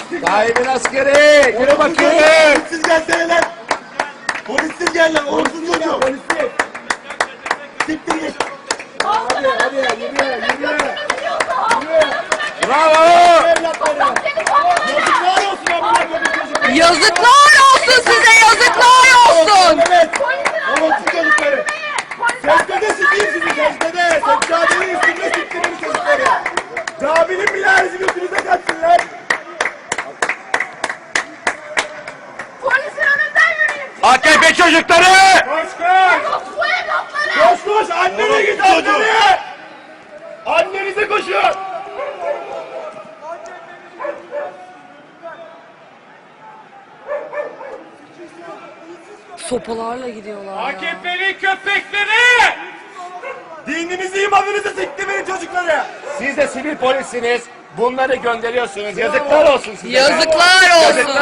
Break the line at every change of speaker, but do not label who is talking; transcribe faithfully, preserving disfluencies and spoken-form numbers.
Dahimin askeri. Yürü bakayım.
Polissiz gelsene lan. Polissiz gel lan. Uğursuz çocuğu. Polissiz. Siktir git.
Hadi hadi yürü yürü. Bravo.
Yazıklar olsun amına koyayım çocuklar.
Yazıklar olsun size, yazıklar olsun.
Evet. Uğursuz çocukları. Secdede sikeyim sizi secdede. Seccadenin üstünde siktirin çocukları. Caminin minaresi götünüze kaçsın lan.
Polisin önünden yürüyün.
A K P çocukları.
Koş koş.
Yok bu evlatları.
Koş koş. Annene git annene. Annenize koşun.
Sopalarla gidiyorlar ya.
A K P'li köpekleri! Dininizi imanınızı siktirin çocukları!
Siz de sivil polissiniz. Bunları gönderiyorsunuz. Yazıklar olsun size.
Yazıklar olsun.